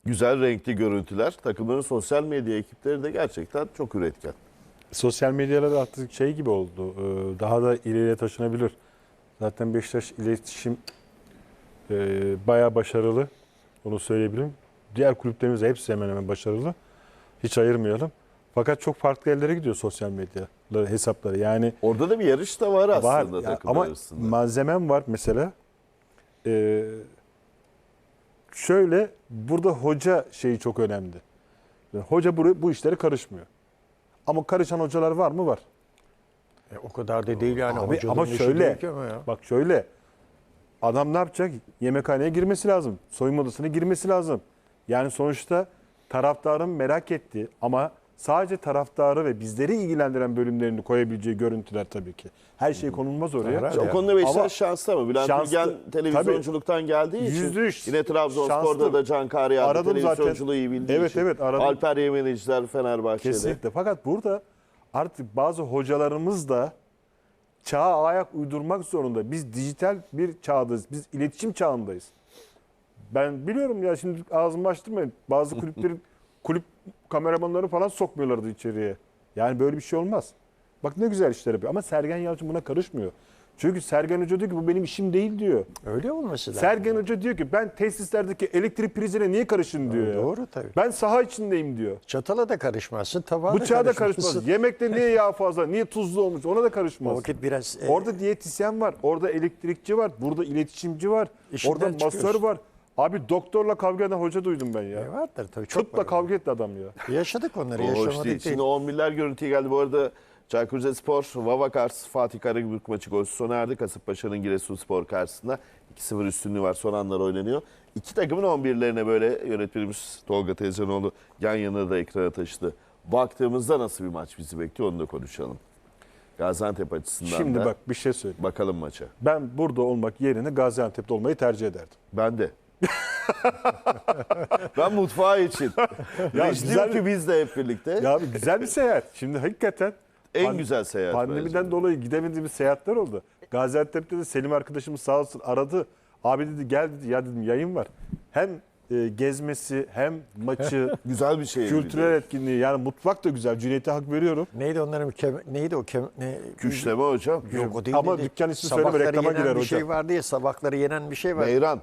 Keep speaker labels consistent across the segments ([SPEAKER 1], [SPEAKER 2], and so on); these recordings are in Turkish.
[SPEAKER 1] Güzel renkli görüntüler. Takımların sosyal medya ekipleri de gerçekten çok üretken.
[SPEAKER 2] Sosyal medyalarda artık şey gibi oldu. Daha da ileriye taşınabilir. Zaten Beşiktaş iletişim bayağı başarılı. Onu söyleyebilirim. Diğer kulüplerimiz de hepsi hemen hemen başarılı. Hiç ayırmayalım. Fakat çok farklı yerlere gidiyor sosyal medya hesapları. Yani
[SPEAKER 1] Orada da bir yarış da var aslında
[SPEAKER 2] var ya,
[SPEAKER 1] takımlar
[SPEAKER 2] ama
[SPEAKER 1] arasında.
[SPEAKER 2] malzemem var mesela. Şöyle burada hoca şeyi çok önemli. Yani hoca bu işlere karışmıyor. Ama karışan hocalar var mı? Var.
[SPEAKER 3] O kadar da değil yani.
[SPEAKER 2] Abi,
[SPEAKER 3] Hocanın
[SPEAKER 2] ama
[SPEAKER 3] işi
[SPEAKER 2] şöyle,
[SPEAKER 3] değil ki ama ya.
[SPEAKER 2] bak şöyle, adam ne yapacak? Yemekhaneye girmesi lazım. Soyunma odasına girmesi lazım. Yani sonuçta taraftarın merak ettiği ama sadece taraftarı ve bizleri ilgilendiren bölümlerini koyabileceği görüntüler tabii ki. Her şey konulmaz oraya.
[SPEAKER 3] Herhalde.
[SPEAKER 1] O konuda Beşiktaş
[SPEAKER 2] Ama
[SPEAKER 1] şanslı ama Bülent
[SPEAKER 2] şanslı,
[SPEAKER 1] Bilgen televizyonculuktan geldiği için
[SPEAKER 2] %100
[SPEAKER 1] yine Trabzonspor'da
[SPEAKER 2] şanslı.
[SPEAKER 1] da Can Kahriye
[SPEAKER 2] Aradım
[SPEAKER 1] televizyonculuğu
[SPEAKER 2] zaten.
[SPEAKER 1] iyi bildiği
[SPEAKER 2] Evet,
[SPEAKER 1] için.
[SPEAKER 2] evet, aradım.
[SPEAKER 1] Alper Yemeniciler Fenerbahçe'de.
[SPEAKER 2] Kesinlikle. Fakat burada artık bazı hocalarımız da çağa ayak uydurmak zorunda. Biz dijital bir çağdayız. Biz iletişim çağındayız. Ben biliyorum ya, şimdi ağzımı açtırmayın. Bazı kulüplerin kulüp kameramanları falan sokmuyorlardı içeriye. Yani böyle bir şey olmaz. Bak ne güzel işler yapıyor. Ama Sergen Yalçın buna karışmıyor. Çünkü Sergen Hoca diyor ki bu benim işim değil diyor.
[SPEAKER 3] Öyle olması lazım.
[SPEAKER 2] Sergen Hoca diyor ki ben tesislerdeki elektrik prizine niye karışın diyor. ya.
[SPEAKER 3] Doğru tabii.
[SPEAKER 2] Ben saha içindeyim diyor.
[SPEAKER 3] Çatala da karışmazsın, tabağa da
[SPEAKER 2] Bıçağa da
[SPEAKER 3] karışmazsın.
[SPEAKER 2] karışmaz. Yemekte niye yağ fazla, niye tuzlu olmuş ona da
[SPEAKER 3] O
[SPEAKER 2] karışmaz.
[SPEAKER 3] vakit biraz
[SPEAKER 2] Orada diyetisyen var, orada elektrikçi var, burada iletişimci var,
[SPEAKER 3] İşinden
[SPEAKER 2] orada masör
[SPEAKER 3] çıkıyorsun.
[SPEAKER 2] var. Abi doktorla kavga eden hoca duydum ben ya.
[SPEAKER 3] vardır tabii. Çok
[SPEAKER 2] Tıpla
[SPEAKER 3] var.
[SPEAKER 2] kavga etti adam ya.
[SPEAKER 3] Yaşadık onları,
[SPEAKER 1] O hoş
[SPEAKER 3] yaşamadık
[SPEAKER 1] değil.
[SPEAKER 3] değil.
[SPEAKER 1] Şimdi 11'ler görüntüye geldi. Bu arada Çaykur Rizespor, Vavakars, Fatih Karagümrük maçı golsüz sona erdi. Kasımpaşa'nın Giresunspor karşısında 2-0 üstünlüğü var. Son anlar oynanıyor. İki takımın 11'lerine böyle yönetmenimiz Tolga Tezcanoğlu yan yana da ekrana taşıdı. Baktığımızda nasıl bir maç bizi bekliyor onu da konuşalım. Gaziantep açısından
[SPEAKER 2] Şimdi
[SPEAKER 1] da
[SPEAKER 2] bak bir şey söyleyeyim.
[SPEAKER 1] bakalım maça.
[SPEAKER 2] Ben burada olmak yerine Gaziantep'te olmayı tercih ederdim.
[SPEAKER 1] Ben de. Ben mutfağı için.
[SPEAKER 2] Ya
[SPEAKER 1] Reis
[SPEAKER 2] güzel-
[SPEAKER 1] diyor ki biz de hep birlikte.
[SPEAKER 2] Ya abi güzel bir seyahat. Şimdi hakikaten
[SPEAKER 1] En güzel seyahat
[SPEAKER 2] pandemiden
[SPEAKER 1] bence.
[SPEAKER 2] dolayı gidemediğimiz seyahatler oldu. Gaziantep'te de Selim arkadaşımız sağ olsun aradı. Abi dedi gel dedi, ya dedim yayın var. Hem gezmesi hem maçı
[SPEAKER 1] Güzel bir şey.
[SPEAKER 2] kültürel etkinliği, yani mutfak da güzel. Cüneyt'e hak veriyorum.
[SPEAKER 3] Neydi onların neydi o
[SPEAKER 1] Küşleme hocam.
[SPEAKER 3] Yok o değil.
[SPEAKER 2] Ama
[SPEAKER 3] dedi.
[SPEAKER 2] dükkan ismi söyleme,
[SPEAKER 3] Sabahları
[SPEAKER 2] reklama
[SPEAKER 3] yenen
[SPEAKER 2] girer
[SPEAKER 3] bir
[SPEAKER 2] hocam.
[SPEAKER 3] şey vardı ya, sabahları yenen bir şey var.
[SPEAKER 1] Meyran.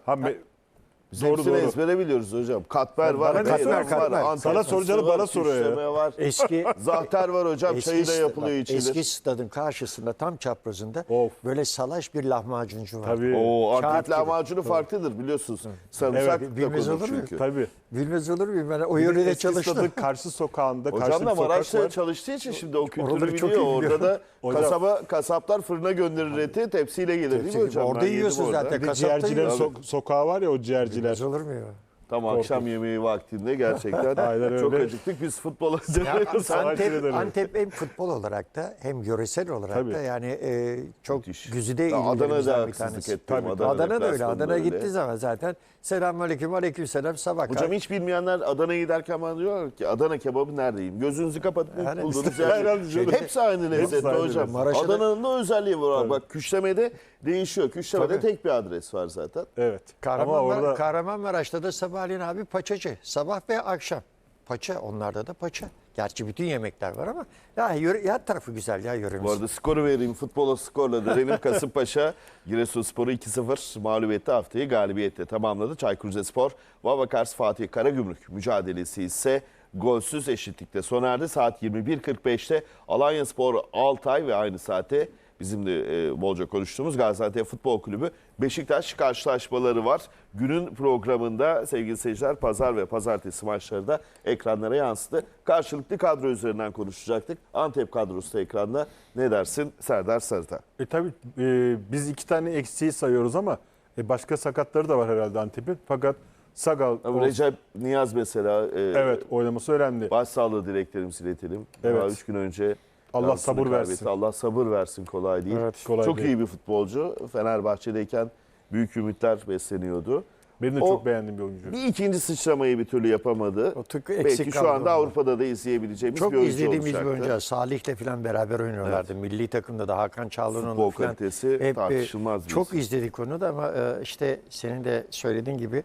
[SPEAKER 1] Biz
[SPEAKER 2] Doğru,
[SPEAKER 1] hepsini
[SPEAKER 2] doğru.
[SPEAKER 1] ezbere biliyoruz hocam. Katmer var,
[SPEAKER 2] Bana ne
[SPEAKER 1] meyran var,
[SPEAKER 3] katmer?
[SPEAKER 1] Antep
[SPEAKER 2] Sana
[SPEAKER 1] fıstığı
[SPEAKER 2] soracağını
[SPEAKER 1] var,
[SPEAKER 2] bana soruyor ya.
[SPEAKER 1] küşleme var.
[SPEAKER 3] Eski
[SPEAKER 1] Zahter var hocam, çayı da yapılıyor içilir.
[SPEAKER 3] Eski stadın karşısında tam çaprazında
[SPEAKER 2] Of.
[SPEAKER 3] böyle salaş bir lahmacuncu var.
[SPEAKER 2] Tabii.
[SPEAKER 1] Oo,
[SPEAKER 3] Kağıt
[SPEAKER 1] Antep
[SPEAKER 3] gibi.
[SPEAKER 1] lahmacunu farklıdır biliyorsunuz. Sarımsak
[SPEAKER 2] Evet,
[SPEAKER 1] da
[SPEAKER 3] bilmez
[SPEAKER 1] konur
[SPEAKER 3] olur muyum?
[SPEAKER 1] çünkü.
[SPEAKER 2] Tabii.
[SPEAKER 3] Bilmez olur muyum? Ben o
[SPEAKER 2] Bir de
[SPEAKER 3] yörede
[SPEAKER 2] eski
[SPEAKER 3] çalıştım.
[SPEAKER 2] stadın karşı sokağında
[SPEAKER 1] Hocam
[SPEAKER 2] karşı
[SPEAKER 1] da
[SPEAKER 2] bir sokak
[SPEAKER 1] Maraş'ta
[SPEAKER 2] var.
[SPEAKER 1] çalıştığı için şimdi o kültürü
[SPEAKER 3] Oraları çok
[SPEAKER 1] biliyor.
[SPEAKER 3] iyi
[SPEAKER 1] Orada da
[SPEAKER 2] Hocam-
[SPEAKER 1] kasaplar fırına gönderir eti, tepsiyle gelir değil mi hocam?
[SPEAKER 3] Orada
[SPEAKER 1] Ben yedim
[SPEAKER 3] yiyorsun
[SPEAKER 1] orada.
[SPEAKER 3] zaten.
[SPEAKER 2] Bir de
[SPEAKER 3] Kasapta
[SPEAKER 2] ciğercilerin
[SPEAKER 3] yiyor.
[SPEAKER 2] sokağı var ya, o ciğerciler.
[SPEAKER 3] Bilmez olur mu ya?
[SPEAKER 1] Tam akşam yemeği vaktinde gerçekten
[SPEAKER 2] Aynen
[SPEAKER 1] çok
[SPEAKER 2] öyle.
[SPEAKER 1] acıktık. Biz futbola
[SPEAKER 3] Ya,
[SPEAKER 1] dönüyoruz.
[SPEAKER 3] Antep hem futbol olarak da hem yöresel olarak
[SPEAKER 2] Tabii.
[SPEAKER 3] da yani çok
[SPEAKER 1] Müthiş.
[SPEAKER 3] güzide
[SPEAKER 1] Ya Adana'da
[SPEAKER 3] illerimizden bir
[SPEAKER 1] haksızlık
[SPEAKER 3] tanesi.
[SPEAKER 1] ettim.
[SPEAKER 2] Tabii.
[SPEAKER 3] Adana da öyle.
[SPEAKER 1] deplasmanında
[SPEAKER 3] Adana
[SPEAKER 1] öyle.
[SPEAKER 3] gittiği zaman zaten selamünaleyküm, aleykümselam sabah.
[SPEAKER 1] Hocam hiç bilmeyenler Adana'ya giderken bana diyorlar ki Adana kebabı neredeyim? Gözünüzü kapatıp
[SPEAKER 3] Yani
[SPEAKER 1] bulduğunuz
[SPEAKER 3] işte-
[SPEAKER 1] yer.
[SPEAKER 2] Herhalde canım.
[SPEAKER 1] Hepsi aynı lezzette
[SPEAKER 2] aynı
[SPEAKER 1] hocam.
[SPEAKER 2] lezzet.
[SPEAKER 3] Maraş'a da-
[SPEAKER 1] Adana'nın da özelliği var. Bak küşlemede değişiyor. Küşlemede
[SPEAKER 3] Tabii.
[SPEAKER 1] tek bir adres var zaten.
[SPEAKER 2] Evet. Ama orada
[SPEAKER 3] Kahramanmaraş'ta da sabahleyin abi paçacı. Sabah ve akşam. Paça, onlarda da paça. Gerçi bütün yemekler var ama ya her tarafı güzel ya yöremiz.
[SPEAKER 1] Bu arada skoru vereyim. Futbola skorla dönelim. Kasımpaşa Giresunspor'u 2-0 mağlubiyette haftayı galibiyetle tamamladı. Çaykur Rizespor, Vavakars Fatih Karagümrük mücadelesi ise golsüz eşitlikte sona erdi. Saat 21.45'te Alanyaspor Altay ve aynı saate bizim de bolca konuştuğumuz Gaziantep Futbol Kulübü Beşiktaş karşılaşmaları var. Günün programında sevgili seyirciler pazar ve pazartesi maçları da ekranlara yansıdı. Karşılıklı kadro üzerinden konuşacaktık. Antep kadrosu da ekranda. Ne dersin Serdar Sarıta?
[SPEAKER 2] tabii biz iki tane eksiği sayıyoruz ama başka sakatları da var herhalde Antep'in. Fakat Sagal
[SPEAKER 1] Recep Niyaz mesela
[SPEAKER 2] evet oynaması önemli.
[SPEAKER 1] başsağlığı dileklerimizi iletelim.
[SPEAKER 2] Evet.
[SPEAKER 1] Daha 3 gün önce
[SPEAKER 2] Allah
[SPEAKER 1] yansını
[SPEAKER 2] sabır
[SPEAKER 1] kaybetti.
[SPEAKER 2] versin.
[SPEAKER 1] Allah sabır versin, kolay değil.
[SPEAKER 2] Evet, kolay
[SPEAKER 1] çok
[SPEAKER 2] değil.
[SPEAKER 1] iyi bir futbolcu. Fenerbahçe'deyken büyük ümitler besleniyordu.
[SPEAKER 2] Benim de
[SPEAKER 1] O-
[SPEAKER 2] çok beğendiğim bir oyuncu.
[SPEAKER 1] Bir ikinci sıçramayı bir türlü yapamadı.
[SPEAKER 3] O tık eksik
[SPEAKER 1] Belki şu
[SPEAKER 3] kaldı
[SPEAKER 1] anda
[SPEAKER 3] onda.
[SPEAKER 1] Avrupa'da da izleyebileceğimiz
[SPEAKER 3] Çok
[SPEAKER 1] bir oyuncu
[SPEAKER 3] izlediğimiz bir
[SPEAKER 1] olacaktı.
[SPEAKER 3] oyuncu. Salih'le falan beraber oynuyorlardı. Milli takımda da Hakan Çalhanoğlu
[SPEAKER 1] Futbol
[SPEAKER 3] falan.
[SPEAKER 1] kalitesi tartışılmaz bir
[SPEAKER 3] Çok
[SPEAKER 1] isim.
[SPEAKER 3] izledik onu da ama işte senin de söylediğin gibi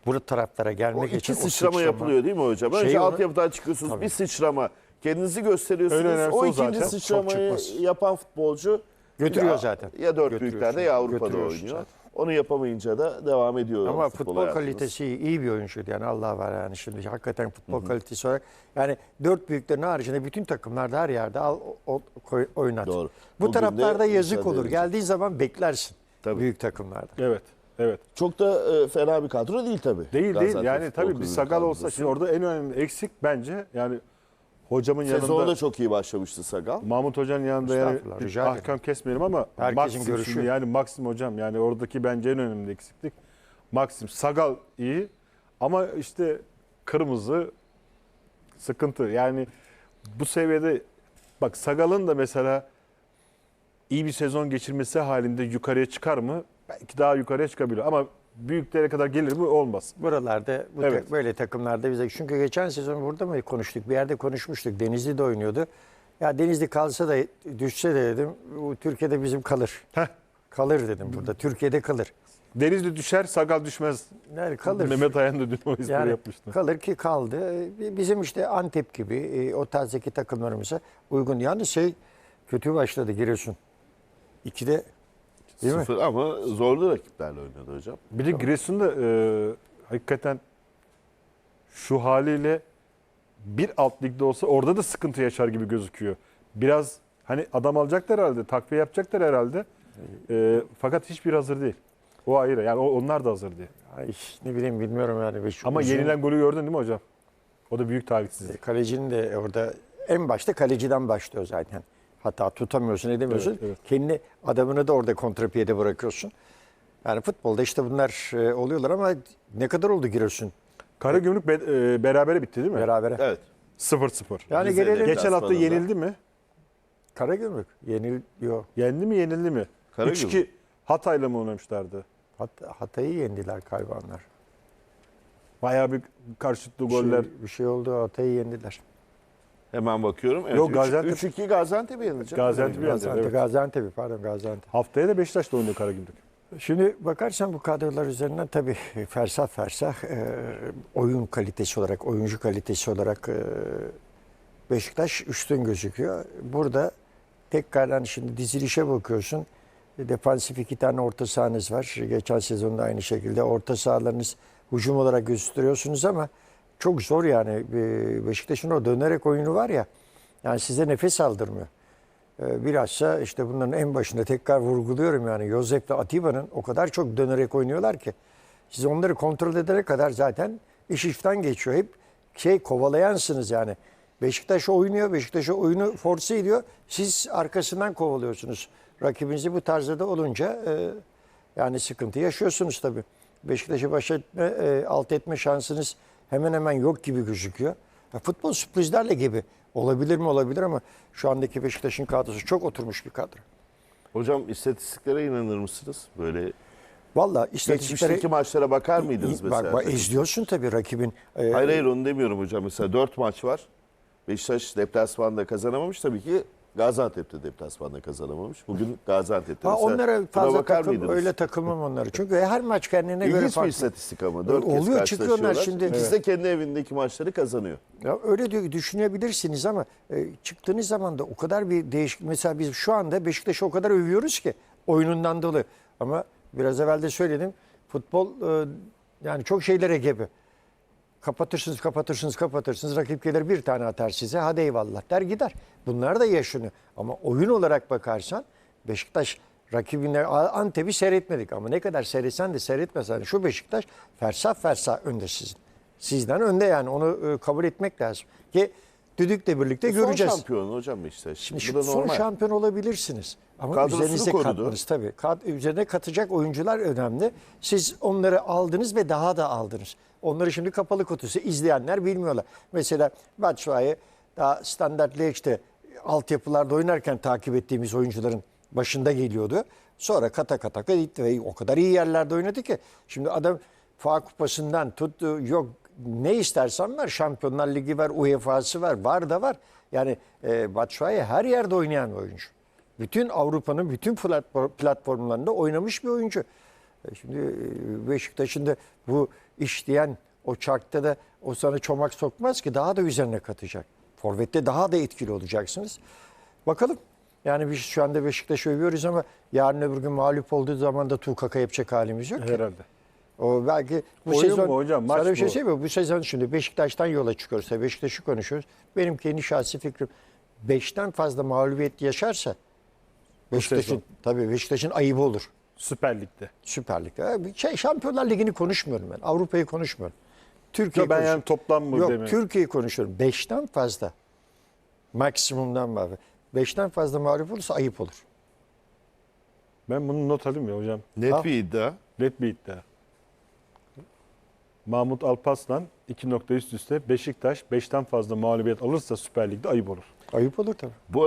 [SPEAKER 3] bu taraflara
[SPEAKER 1] O
[SPEAKER 3] gelmek için
[SPEAKER 1] iki sıçrama yapılıyor değil mi hocam? Önce
[SPEAKER 3] Şey onu-
[SPEAKER 1] altyapıdan çıkıyorsunuz,
[SPEAKER 3] Tabii.
[SPEAKER 1] bir sıçrama. Kendinizi gösteriyorsunuz.
[SPEAKER 2] En önemlisi
[SPEAKER 1] O
[SPEAKER 2] o
[SPEAKER 1] ikinci
[SPEAKER 2] zaten.
[SPEAKER 1] sıçramayı
[SPEAKER 3] Çok çıkmaz.
[SPEAKER 1] yapan futbolcu
[SPEAKER 3] Götürüyor
[SPEAKER 1] ya,
[SPEAKER 3] zaten.
[SPEAKER 1] Ya dört
[SPEAKER 3] Götürüyorsun.
[SPEAKER 1] büyüklerde ya Avrupa'da
[SPEAKER 3] Götürüyorsun
[SPEAKER 1] oynuyor.
[SPEAKER 3] zaten.
[SPEAKER 1] Onu yapamayınca da devam ediyor.
[SPEAKER 3] Ama futbol
[SPEAKER 1] hayatınız.
[SPEAKER 3] kalitesi iyi bir oyuncuydu yani Allah var yani şimdi hakikaten futbol kalitesi olarak yani dört büyüklerin haricinde bütün takımlarda her yerde al oynat.
[SPEAKER 1] Doğru.
[SPEAKER 3] Bu
[SPEAKER 1] Bugün
[SPEAKER 3] taraflarda
[SPEAKER 1] de
[SPEAKER 3] yazık
[SPEAKER 1] mücadele
[SPEAKER 3] olur.
[SPEAKER 1] edecek.
[SPEAKER 3] Geldiğin zaman beklersin
[SPEAKER 1] Tabii.
[SPEAKER 3] büyük takımlarda.
[SPEAKER 2] Evet. Evet.
[SPEAKER 1] Çok da fena bir kadro değil tabii.
[SPEAKER 2] Değil
[SPEAKER 1] Gaziantep
[SPEAKER 2] yani
[SPEAKER 1] Futbol
[SPEAKER 2] tabii bir
[SPEAKER 1] Kulübü'nün
[SPEAKER 2] Sagal olsa
[SPEAKER 1] kadrosu.
[SPEAKER 2] şimdi orada en önemli eksik bence yani hocamın
[SPEAKER 1] Sezona
[SPEAKER 2] yanında
[SPEAKER 1] da çok iyi başlamıştı Sagal.
[SPEAKER 2] Mahmut Hoca'nın yanında yani
[SPEAKER 3] Estağfurullah,
[SPEAKER 2] bir
[SPEAKER 3] rica ederim.
[SPEAKER 2] ahkam kesmeyelim ama
[SPEAKER 3] Herkesin
[SPEAKER 2] Maxim
[SPEAKER 3] görüşü.
[SPEAKER 2] şimdi yani Maxim hocam yani oradaki bence en önemli eksiklik Maxim. Sagal iyi ama işte kırmızı sıkıntı. Yani bu seviyede bak Sagal'ın da mesela iyi bir sezon geçirmesi halinde yukarıya çıkar mı? Belki daha yukarıya çıkabilir ama büyüklere kadar gelir mi? Olmaz.
[SPEAKER 3] Buralarda
[SPEAKER 2] Evet.
[SPEAKER 3] böyle takımlarda bize çünkü geçen sezon burada mı konuştuk? Bir yerde konuşmuştuk. Denizli'de oynuyordu. Ya Denizli kalsa da düşse de dedim bu Türkiye'de bizim kalır.
[SPEAKER 2] Heh.
[SPEAKER 3] Kalır dedim burada. Türkiye'de kalır.
[SPEAKER 2] Denizli düşer, Sagal düşmez.
[SPEAKER 3] Yani kalır.
[SPEAKER 2] Mehmet Ayan da dün o espri
[SPEAKER 3] Yani
[SPEAKER 2] yapmıştı.
[SPEAKER 3] kalır ki kaldı. Bizim işte Antep gibi o tarzdaki takımlarımıza uygun. Yalnız kötü başladı Giresun. 2'de değil mi?
[SPEAKER 1] Sıfır ama zorlu rakiplerle oynadı hocam.
[SPEAKER 2] Bir de Giresun'da hakikaten şu haliyle bir alt ligde olsa orada da sıkıntı yaşar gibi gözüküyor. Biraz hani adam alacaklar herhalde, takviye yapacaklar herhalde. Fakat hiçbir hazır değil. O ayrı. Yani onlar da hazır değil.
[SPEAKER 3] Ay, ne bileyim bilmiyorum yani.
[SPEAKER 2] Ama yenilen golü gördün değil mi hocam? O da büyük talihsizlik.
[SPEAKER 3] Kalecinin de orada en başta kaleciden başlıyor zaten. Hata tutamıyorsun, edemiyorsun.
[SPEAKER 2] Evet, evet.
[SPEAKER 3] Kendi adamını da orada kontrapiyede bırakıyorsun. Yani futbolda işte bunlar oluyorlar ama ne kadar oldu Giresun
[SPEAKER 2] Karagümrük berabere bitti değil mi?
[SPEAKER 3] berabere?
[SPEAKER 1] Evet.
[SPEAKER 2] 0-0.
[SPEAKER 3] Yani
[SPEAKER 1] Rize'de
[SPEAKER 3] gelelim
[SPEAKER 2] Geçen hafta
[SPEAKER 1] deplasmanında.
[SPEAKER 2] yenildi mi?
[SPEAKER 3] Karagümrük yeniliyor.
[SPEAKER 2] Yendi mi yenildi mi?
[SPEAKER 1] Karagümrük.
[SPEAKER 2] 3-2 Hatay'la mı oynamışlardı?
[SPEAKER 3] Hatay'ı yendiler galiba onlar.
[SPEAKER 2] Bayağı bir karşılıklı goller.
[SPEAKER 3] Bir şey oldu Hatay'ı yendiler.
[SPEAKER 1] Hemen bakıyorum. Evet,
[SPEAKER 2] Yok, Gaziantep-
[SPEAKER 1] 3-2 Gaziantep'i yenecek.
[SPEAKER 2] Gaziantep'i yendi. Evet.
[SPEAKER 3] Gaziantep pardon Gaziantep.
[SPEAKER 2] Haftaya da Beşiktaş'ta oynuyor Karagümrük.
[SPEAKER 3] Şimdi bakarsan bu kadrolar üzerinden tabii fersah fersah oyun kalitesi olarak, oyuncu kalitesi olarak Beşiktaş üstün gözüküyor. Burada tekrardan şimdi dizilişe bakıyorsun. Defansif 2 tane orta sahanız var. Geçen sezonda aynı şekilde orta sahalarınız hücum olarak gösteriyorsunuz ama çok zor yani. Beşiktaş'ın o dönerek oyunu var ya, yani size nefes aldırmıyor. Bilhassa işte bunların en başında tekrar vurguluyorum yani Josep ve Atiba'nın o kadar çok dönerek oynuyorlar ki siz onları kontrol edene kadar zaten iş işten geçiyor. Hep kovalayansınız yani. Beşiktaş oynuyor, Beşiktaş oyunu force ediyor. Siz arkasından kovalıyorsunuz. Rakibinizi bu tarzda da olunca yani sıkıntı yaşıyorsunuz tabii. Beşiktaş'ı baş etme, alt etme şansınız hemen hemen yok gibi gözüküyor. Futbol sürprizlerle gibi. Olabilir mi olabilir ama şu andaki Beşiktaş'ın kadrosu çok oturmuş bir kadro.
[SPEAKER 1] Hocam istatistiklere inanır mısınız? Böyle
[SPEAKER 3] Vallahi istatistiklere
[SPEAKER 1] geçmişteki maçlara bakar mıydınız mesela?
[SPEAKER 3] bak, izliyorsun tabii rakibin.
[SPEAKER 1] Hayır onu demiyorum hocam. Mesela 4 maç var. Beşiktaş deplasmanda kazanamamış. Tabii ki Gaziantep'te deplasmanda kazanamamış. Bugün Gaziantep'te.
[SPEAKER 3] Ha,
[SPEAKER 1] Mesela
[SPEAKER 3] onlara
[SPEAKER 1] buna
[SPEAKER 3] fazla
[SPEAKER 1] bakar
[SPEAKER 3] takım,
[SPEAKER 1] mıydınız?
[SPEAKER 3] öyle takılmam onları. Çünkü her maç kendine göre
[SPEAKER 1] İlginç bir
[SPEAKER 3] farklı.
[SPEAKER 1] istatistik ama. 4 kez
[SPEAKER 3] Oluyor, çıkıyorlar
[SPEAKER 1] karşılaşıyorlar.
[SPEAKER 3] şimdi.
[SPEAKER 1] İkisi de kendi evindeki maçları kazanıyor.
[SPEAKER 3] Ya öyle düşünebilirsiniz ama çıktığınız zaman da o kadar bir değişik. Mesela biz şu anda Beşiktaş'ı o kadar övüyoruz ki oyunundan dolayı. Ama biraz evvel de söyledim. Futbol yani çok şeylere gebe. Kapatırsınız. Rakip gelir bir tane atar size. Hadi eyvallah der gider. Bunlar da yaşanıyor. Ama oyun olarak bakarsan Beşiktaş rakibine Antep'i seyretmedik. Ama ne kadar seyretsen de seyretmesen şu Beşiktaş fersah önde sizin. Sizden önde yani onu kabul etmek lazım. Ki düdükle birlikte göreceğiz.
[SPEAKER 1] Son şampiyon hocam Beşiktaş.
[SPEAKER 3] Şimdi
[SPEAKER 1] Bu da
[SPEAKER 3] son
[SPEAKER 1] normal.
[SPEAKER 3] şampiyon olabilirsiniz. Ama
[SPEAKER 1] Kadrosunu
[SPEAKER 3] üzerinize
[SPEAKER 1] korudu.
[SPEAKER 3] katmanız tabii. Üzerine katacak oyuncular önemli. Siz onları aldınız ve daha da aldınız. Onları şimdi kapalı kutusu izleyenler bilmiyorlar. Mesela Batshuayi daha standart ligde altyapılarda oynarken takip ettiğimiz oyuncuların başında geliyordu. Sonra kata gitti ve o kadar iyi yerlerde oynadı ki. Şimdi adam FA Kupası'ndan tut yok ne istersen var. Şampiyonlar Ligi var, UEFA'sı var, var da var. Yani Batshuayi her yerde oynayan bir oyuncu. Bütün Avrupa'nın bütün platformlarında oynamış bir oyuncu. Şimdi Beşiktaş'ın da bu iş diyen o çarkta da o sana çomak sokmaz ki, daha da üzerine katacak. Forvet'te daha da etkili olacaksınız. Bakalım. Yani biz şu anda Beşiktaş'ı övüyoruz ama yarın öbür gün mağlup olduğu zaman da tukaka yapacak halimiz yok ki.
[SPEAKER 2] Herhalde.
[SPEAKER 3] O belki bu
[SPEAKER 2] Oyun
[SPEAKER 3] sezon
[SPEAKER 2] mu hocam, maç
[SPEAKER 3] sana bir şey
[SPEAKER 2] bu.
[SPEAKER 3] söyleyeyim mi? Bu sezon şimdi Beşiktaş'tan yola çıkıyoruz. Beşiktaş'ı konuşuyoruz. Benim kendi şahsi fikrim 5'ten fazla mağlubiyet yaşarsa
[SPEAKER 2] sezon.
[SPEAKER 3] Beşiktaş'ın ayıbı olur.
[SPEAKER 2] Süper Lig'de.
[SPEAKER 3] Süper Lig'de. Şampiyonlar Ligi'ni konuşmuyorum ben. Avrupa'yı konuşmuyorum. Türkiye
[SPEAKER 2] Ben yani toplam mı
[SPEAKER 3] Yok,
[SPEAKER 2] demiyorum.
[SPEAKER 3] Türkiye'yi konuşuyorum. 5'ten fazla. Maksimumdan var. 5'ten fazla mağlup olursa ayıp olur.
[SPEAKER 2] Ben bunu not alayım ya hocam.
[SPEAKER 1] Net bir iddia.
[SPEAKER 2] Net bir iddia. Mahmut Alparslan 2 nokta üst üste Beşiktaş 5'ten fazla mağlubiyet alırsa Süper Lig'de ayıp olur.
[SPEAKER 3] Ayıp olur tabii.